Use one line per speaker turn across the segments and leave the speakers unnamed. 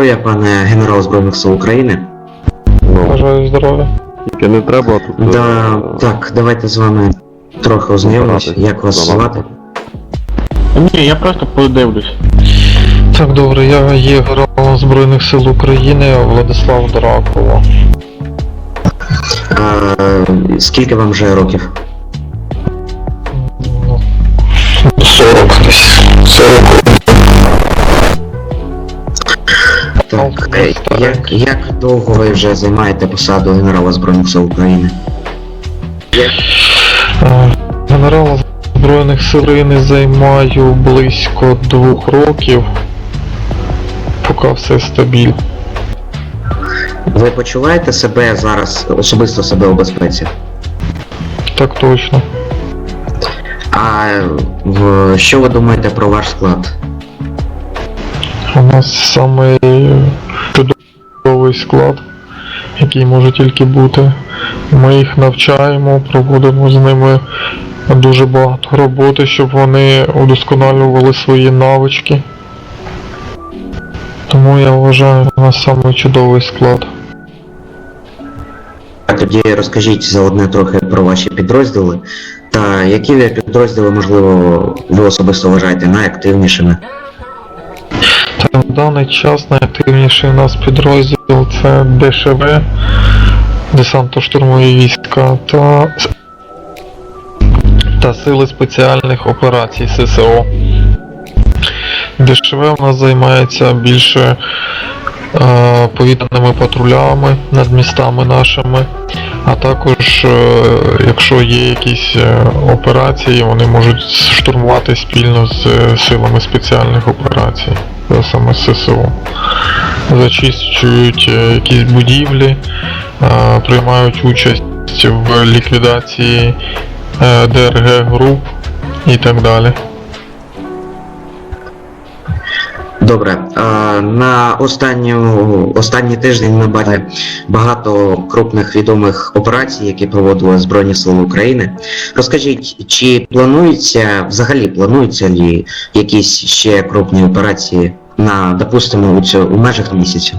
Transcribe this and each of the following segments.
здоров'я, пане генерал Збройних сил України.
Бажаю здоров'я.
Тільки не треба тут.
Так, давайте з вами трохи ознайомимося. Як вас звати?
Ні, я просто подивлюсь.
Так, добре, я є генералом Збройних сил України Владислав Дракула.
Скільки вам вже років?
40 десь. 40.
Так, як довго ви вже займаєте посаду генерала Збройних сил України?
Генерала Збройних сил України займаю близько 2 років, поки все стабільно.
Ви почуваєте себе зараз, особисто себе у безпеці?
Так точно.
А що ви думаєте про ваш склад?
У нас самий чудовий склад, який може тільки бути. Ми їх навчаємо, проводимо з ними дуже багато роботи, щоб вони удосконалювали свої навички. Тому я вважаю, у нас самий чудовий склад.
Тоді розкажіть заодне трохи про ваші підрозділи, та які ви підрозділи, можливо, ви особисто вважаєте найактивнішими?
Та в даний час найактивніший у нас підрозділ це ДШВ, десантно-штурмові війська та Сили спеціальних операцій ССО. ДШВ у нас займається більше повітряними патрулями над містами нашими, а також, якщо є якісь операції, вони можуть штурмувати спільно з силами спеціальних операцій, саме ССО. Зачищують якісь будівлі, приймають участь в ліквідації ДРГ груп і так далі.
Добре, на останній тиждень ми бачили багато крупних відомих операцій, які проводили Збройні Сили України. Розкажіть, чи плануються ли якісь ще крупні операції допустимо, у межах місяця?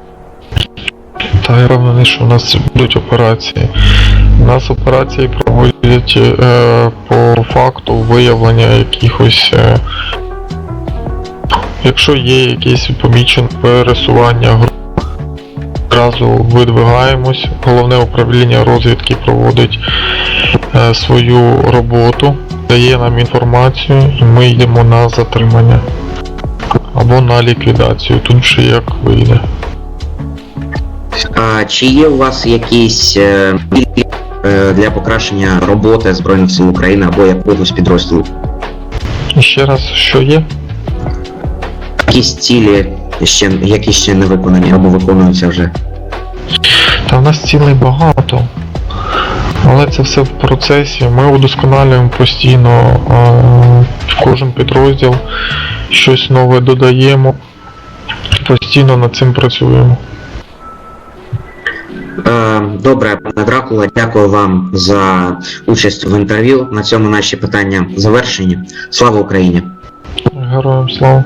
Та я впевнений, що у нас будуть операції. У нас операції проводять по факту виявлення якихось, якщо є якесь помічене пересування груп, одразу видвигаємось. Головне управління розвідки проводить свою роботу, дає нам інформацію і ми йдемо на затримання або на ліквідацію, тут вже як вийде.
Чи є у вас якісь для покращення роботи Збройних Сил України або якогось підрозділу?
І ще раз, що є?
Якісь цілі, які ще не виконані або виконуються вже?
Та в нас цілей багато, але це все в процесі. Ми удосконалюємо постійно в кожен підрозділ, щось нове додаємо, постійно над цим працюємо.
Добре, пане Дракула, дякую вам за участь в інтерв'ю. На цьому наші питання завершені. Слава Україні!
Героям слава!